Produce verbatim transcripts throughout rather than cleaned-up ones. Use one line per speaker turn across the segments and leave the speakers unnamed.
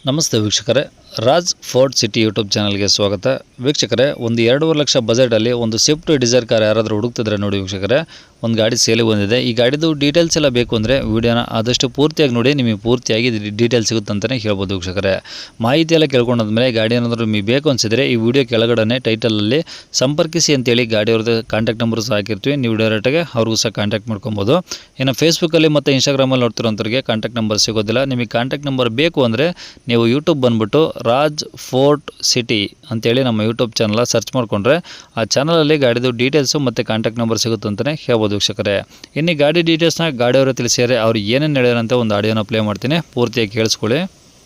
ನಮಸ್ತೆ ವೀಕ್ಷಕರೇ, Raj fort city YouTube ಚಾನಲ್ಗೆ ಸ್ವಾಗತ. ವೀಕ್ಷಕರೇ, ಒಂದು ಎರಡೂವರೆ ಲಕ್ಷ ಬಜೆಟಲ್ಲಿ ಒಂದು ಸ್ವಿಫ್ಟ್ ಡಿಸೈರ್ ಕಾರ್ ಯಾರಾದರೂ ಹುಡುಕ್ತಿದ್ರೆ ನೋಡಿ ವೀಕ್ಷಕರೇ, ಒಂದು ಗಾಡಿ ಸೇಲಿಗೆ ಬಂದಿದೆ. ಈ ಗಾಡಿದು ಡೀಟೇಲ್ಸ್ ಎಲ್ಲ ಬೇಕು ಅಂದರೆ ವೀಡಿಯೋನ ಆದಷ್ಟು ಪೂರ್ತಿಯಾಗಿ ನೋಡಿ, ನಿಮಗೆ ಪೂರ್ತಿಯಾಗಿ ಡೀಟೇಲ್ಸ್ ಸಿಗುತ್ತೆ ಅಂತಲೇ ಹೇಳ್ಬೋದು ವೀಕ್ಷಕರೇ. ಮಾಹಿತಿ ಎಲ್ಲ ಕೇಳ್ಕೊಂಡಾದ್ಮೇಲೆ ಗಾಡಿ ಏನಾದರೂ ನಿಮಗೆ ಬೇಕು ಅನಿಸಿದರೆ ಈ ವಿಡಿಯೋ ಕೆಳಗಡೆ ಟೈಟಲಲ್ಲಿ ಸಂಪರ್ಕಿಸಿ ಅಂತೇಳಿ ಗಾಡಿಯವ್ರದ್ದು ಕಾಂಟ್ಯಾಕ್ಟ್ ನಂಬರ್ ಸಹ ಹಾಕಿರ್ತೀವಿ. ನೀವು ಡೈರೆಕ್ಟಾಗಿ ಅವ್ರಿಗೂ ಸಹ ಕಾಂಟ್ಯಾಕ್ಟ್ ಮಾಡ್ಕೊಬೋದು. ಇನ್ನು ಫೇಸ್ಬುಕ್ಕಲ್ಲಿ ಮತ್ತು ಇನ್ಸ್ಟಾಗ್ರಾಮಲ್ಲಿ ನೋಡ್ತಿರೋಂಥವ್ರಿಗೆ ಕಾಂಟ್ಯಾಕ್ಟ್ ನಂಬರ್ ಸಿಗೋದಿಲ್ಲ. ನಿಮಗೆ ಕಾಂಟ್ಯಾಕ್ಟ್ ನಂಬರ್ ಬೇಕು ಅಂದರೆ ನೀವು ಯೂಟ್ಯೂಬ್ ಬಂದುಬಿಟ್ಟು ರಾಜ್ ಫೋರ್ಟ್ ಸಿಟಿ ಅಂತೇಳಿ ನಮ್ಮ ಯೂಟ್ಯೂಬ್ ಚಾನಲ್ ಸರ್ಚ್ ಮಾಡಿಕೊಂಡ್ರೆ ಆ ಚಾನಲಲ್ಲಿ ಗಾಡಿದು ಡೀಟೇಲ್ಸು ಮತ್ತು ಕಾಂಟ್ಯಾಕ್ಟ್ ನಂಬರ್ ಸಿಗುತ್ತೆ ಅಂತಲೇ ಹೇಳ್ಬೋದು ವೀಕ್ಷಕರೇ. ಇನ್ನು ಗಾಡಿ ಡೀಟೇಲ್ಸ್ನ ಗಾಡಿಯವರು ತಿಳಿಸಿದರೆ ಅವ್ರು ಏನೇನು ಹೇಳ್ಯಾರಂತ ಒಂದು ಆಡಿಯೋನ ಪ್ಲೇ ಮಾಡ್ತೀನಿ, ಪೂರ್ತಿಯಾಗಿ ಕೇಳಿಸ್ಕೊಳ್ಳಿ.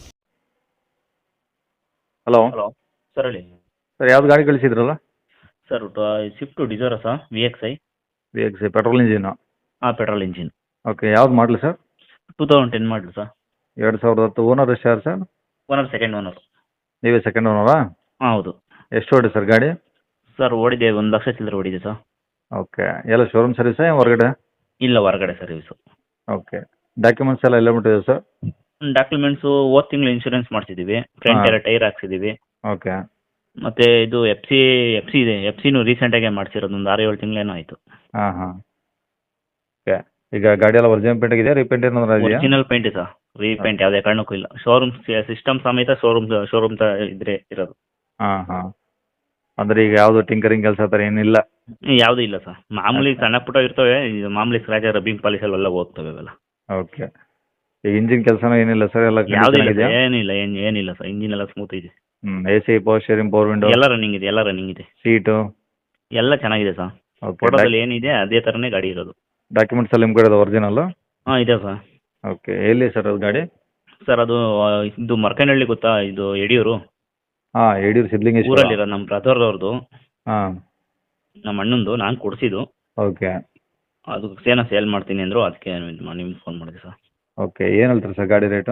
ಹಲೋ
ಹಲೋ ಸರ್ ಹೇಳಿ.
ಸರ್, ಯಾವ್ದು ಗಾಡಿ ಕಳಿಸಿದ್ರಲ್ಲ?
Sir Swift Dzire sir, V X I
V X I petrol engine.
ಹಾಂ, ಪೆಟ್ರೋಲ್ ಇಂಜಿನ್.
ಓಕೆ, ಯಾವ್ದು ಮಾಡಲಿ ಸರ್?
ಟೂ ತೌಸಂಡ್ ಟೆನ್ ಮಾಡಲು ಸರ್.
ಎರಡು ಸಾವಿರದ ಹತ್ತು. ಓನರ್ ಎಷ್ಟು ಯಾರು ಸರ್?
Owner second owner.
ನೀವೇ ಸೆಕೆಂಡ್ ಓನರಾ?
ಹಾಂ ಹೌದು
ಎಷ್ಟು ಓಡಿ ಸರ್ ಗಾಡಿ?
ಸರ್ ಓಡಿದೆ, ಒಂದು ಲಕ್ಷ ಚಿಲ್ಲರೆ ಓಡಿದೆ ಸರ್.
ಓಕೆ, ಎಲ್ಲ ಶೋರೂಮ್ ಸರ್ವಿಸಾ ಹೊರಗಡೆ?
ಇಲ್ಲ, ಹೊರಗಡೆ ಸರ್ವಿಸು.
ಓಕೆ, ಡಾಕ್ಯುಮೆಂಟ್ಸ್ ಎಲ್ಲ ಎಲ್ಲ ಬಿಟ್ಟಿದೆ ಸರ್?
ಡಾಕ್ಯುಮೆಂಟ್ಸು ಹೋದ ತಿಂಗಳು ಇನ್ಶೂರೆನ್ಸ್ ಮಾಡಿಸಿದ್ದೀವಿ, ಫ್ರಂಟ್
ಹಾಂ.
ಎಲ್ಲ ಟೈರ್ ಹಾಕ್ಸಿದ್ದೀವಿ.
ಓಕೆ
ಮತ್ತು ಇದು ಎಫ್ ಸಿ ಎಫ್ ಸಿ ಇದೆ, ಎಫ್ ಸಿನೂ ರೀಸೆಂಟಾಗೆ ಮಾಡಿಸಿರೋದು, ಒಂದು ಆರು ಏಳು ತಿಂಗಳೇನೋ ಆಯಿತು.
ಹಾಂ ಹಾಂ ಓಕೆ, ಈಗ ಗಾಡಿ ಎಲ್ಲ ಒರಿಜಿನಲ್ ಪೇಂಟ್ ಇದೆಯಾ, ರೀಪೇಂಟ್ ಏನಾದ್ರು ಇದೆಯಾ?
ಒರಿಜಿನಲ್ ಪೇಂಟ್ ಸರ್, ರೀಪೇಂಟ್ ಯಾವುದೇ ಕಾರಣಕ್ಕೂ ಇಲ್ಲ. ಶೋರೂಮ್ ಸಿಸ್ಟಮ್ ಸಮೇತ ಶೋರೂಮ್ ಶೋರೂಮ್ ತ ಇದ್ರೆ ಇರೋದು.
ಹಾಂ ಹಾಂ ಅಂದರೆ ಈಗ ಯಾವುದು ಟಿಂಕರಿಂಗ್ ಕೆಲಸ ಆ ಥರ ಏನಿಲ್ಲ?
ಯಾವುದೂ ಇಲ್ಲ ಸರ್, ಮಾಮೂಲಿ ಸಣ್ಣ ಪುಟ್ಟ ಇರ್ತವೆ, ಇದು ಮಾಮೂಲಿ ಸ್ಕ್ರಾಚ್ ರಬ್ಬಿಂಗ್ ಪಾಲಿಶ್ ಅವೆಲ್ಲ ಹೋಗ್ತವೆ ಅವೆಲ್ಲ.
ಓಕೆ, ಈಗ ಇಂಜಿನ್ ಕೆಲಸನೂ ಏನಿಲ್ಲ ಸರ್? ಎಲ್ಲ
ಯಾವುದೂ ಇಲ್ಲ
ಇದೆಯಾ?
ಸರ್, ಏನಿಲ್ಲ ಏನು ಏನಿಲ್ಲ ಸರ್, ಇಂಜಿನ್ ಎಲ್ಲ ಸ್ಮೂತ್ ಇದೆ.
ಹ್ಞೂ, A C, power steering, power window
ಎಲ್ಲ ರನ್ನಿಂಗ್ ಇದೆ, ಎಲ್ಲ ರನ್ನಿಂಗ್ ಇದೆ,
ಸೀಟು?
ಎಲ್ಲ ಚೆನ್ನಾಗಿದೆ ಸರ್.
ಓಕೆ,
ಫೋಟೋದಲ್ಲಿ ಏನಿದೆ ಅದೇ ಥರನೇ ಗಾಡಿ ಇರೋದು.
ಡಾಕ್ಯುಮೆಂಟ್ಸ್ ಎಲ್ಲ ನಿಮ್ಮ ಕಡೆ ಒರಿಜಿನಲ್ಲು?
ಹಾಂ ಇದೆ ಸರ್.
ಓಕೆ, ಎಲ್ಲಿ ಸರ್ ಅದು ಗಾಡಿ?
ಸರ್ ಅದು ಆ, ಇದು ಮರ್ಕನಹಳ್ಳಿ ಗೊತ್ತಾ, ಇದು ಯಡಿಯೂರು
ಹಾಂ, ಯಡಿಯೂರು ಸಿದ್ಧಲಿಂಗೇಶ್ವರ.
ಊರಲ್ಲಿರೋ ನಮ್ಮ ಬ್ರದರ್ ಅವ್ರದ್ದು,
ಹಾಂ
ನಮ್ಮ ಅಣ್ಣಂದು, ನಾನು ಕೊಡಿಸಿದ್ದು.
ಓಕೆ
ಅದು ಸೇನ ಸೇಲ್ ಮಾಡ್ತೀನಿ ಅಂದರು, ಅದಕ್ಕೆ ನಿಮ್ಗೆ ಫೋನ್ ಮಾಡಿದೆ ಸರ್.
ಓಕೆ, ಏನು ಹೇಳ್ತೀರಿ ಸರ್ ಗಾಡಿ ರೇಟು?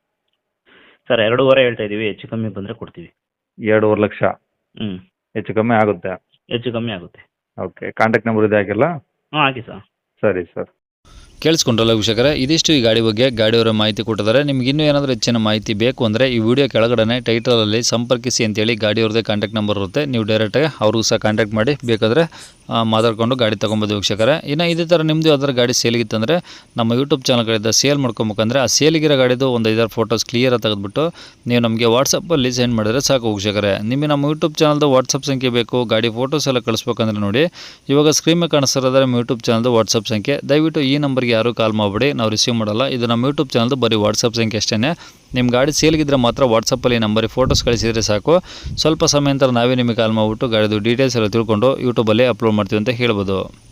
ಸರ್ ಎರಡೂವರೆ ಹೇಳ್ತಾ ಇದ್ದೀವಿ, ಹೆಚ್ಚು ಕಮ್ಮಿ ಬಂದರೆ ಕೊಡ್ತೀವಿ.
ಎರಡೂವರೆ ಲಕ್ಷ?
ಹ್ಞೂ,
ಹೆಚ್ಚು ಕಮ್ಮಿ ಆಗುತ್ತೆ?
ಹೆಚ್ಚು ಕಮ್ಮಿ ಆಗುತ್ತೆ.
ಓಕೆ, ಕಾಂಟ್ಯಾಕ್ಟ್ ನಂಬರ್ ಇದೆ ಹಾಕಿಲ್ಲ?
ಹಾಂ ಹಾಕಿ ಸರ್.
ಸರಿ ಸರ್.
ಕೇಳಿಸ್ಕೊಂಡ್ರಲ್ಲ ವೀಕ್ಷಕರೇ, ಇದಿಷ್ಟು ಈ ಗಾಡಿ ಬಗ್ಗೆ ಗಾಡಿಯವರ ಮಾಹಿತಿ ಕೊಟ್ಟಿದ್ದಾರೆ. ನಿಮ್ಗೆ ಇನ್ನೂ ಏನಾದರೂ ಹೆಚ್ಚಿನ ಮಾಹಿತಿ ಬೇಕು ಅಂದರೆ ಈ ವಿಡಿಯೋ ಕೆಳಗಡೆ ಟೈಟಲಲ್ಲಿ ಸಂಪರ್ಕಿಸಿ ಅಂತೇಳಿ ಗಾಡಿಯವ್ರದ್ದೇ ಕಾಂಟ್ಯಾಕ್ಟ್ ನಂಬರ್ ಇರುತ್ತೆ. ನೀವು ಡೈರೆಕ್ಟಾಗಿ ಅವ್ರಿಗೂ ಸಹ ಕಾಂಟ್ಯಾಕ್ಟ್ ಮಾಡಿ ಬೇಕಾದರೆ ಮಾತಾಡ್ಕೊಂಡು ಗಾಡಿ ತೊಗೊಬೋದು ವೀಕ್ಷಕರೇ. ಇನ್ನು ಇದೇ ಥರ ನಿಮ್ಮದು ಯಾವ್ದಾರು ಗಾಡಿ ಸೇಲಿಗಿತ್ತಂದರೆ ನಮ್ಮ ಯೂಟ್ಯೂಬ್ ಚಾನಲ್ಗಳಿಂದ ಸೇಲ್ ಮಾಡ್ಕೊಬೇಕಂದ್ರೆ ಆ ಸೇಲಿಗಿರೋ ಗಾಡಿದು ಒಂದು ಐದಾರು ಫೋಟೋಸ್ ಕ್ಲಿಯರಾಗಿ ತೆಗೆದುಬಿಟ್ಟು ನೀವು ನಮಗೆ ವಾಟ್ಸಪ್ಪಲ್ಲಿ ಸೆಂಡ್ ಮಾಡಿದ್ರೆ ಸಾಕು ವೀಕ್ಷಕರೇ. ನಿಮಗೆ ನಮ್ಮ ಯೂಟ್ಯೂಬ್ ಚಾನಲ್ದು ವಾಟ್ಸಪ್ ಸಂಖ್ಯೆ ಬೇಕು, ಗಾಡಿ ಫೋಟೋಸ್ ಎಲ್ಲ ಕಳಿಸ್ಬೇಕಂದ್ರೆ ನೋಡಿ, ಇವಾಗ ಸ್ಕ್ರೀನ್ ಮೇಲೆ ಕಾಣಿಸ್ತಿರೋದ್ರೆ ನಮ್ಮ ಯೂಟ್ಯೂಬ್ ಚಾನಲ್ದು ವಾಟ್ಸಪ್ ಸಂಖ್ಯೆ. ದಯವಿಟ್ಟು ಈ ನಂಬರ್ಗೆ ಯಾರು ಕಾಲ್ ಮಾಡಿಬಿಡಿ, ನಾವು ರಿಸೀವ್ ಮಾಡಲ್ಲ. ಇದು ನಮ್ಮ ಯೂಟ್ಯೂಬ್ ಚಾನಲ್ದು ಬರೀ ವಾಟ್ಸಪ್ ಸಂಖ್ಯೆ ಅಷ್ಟೇ. ನಿಮ್ಮ ಗಾಡಿ ಸೇಲ್ಗಿದ್ರೆ ಮಾತ್ರ ವಾಟ್ಸಪ್ಪಲ್ಲಿ ನಂಬರಿಗೆ ಫೋಟೋಸ್ ಕಳಿಸಿದರೆ ಸಾಕು. ಸ್ವಲ್ಪ ಸಮಯ ನಂತರ ನಾವೇ ನಿಮಗೆ ಕಾಲ್ ಮಾಡಿಬಿಟ್ಟು ಗಾಡಿದು ಡೀಟೇಲ್ಸ್ ಎಲ್ಲ ತಿಳ್ಕೊಂಡು ಯೂಟ್ಯೂಬಲ್ಲಿ ಅಪ್ಲೋಡ್ ಮಾಡ್ತೀವಿ ಅಂತ ಹೇಳ್ಬೋದು.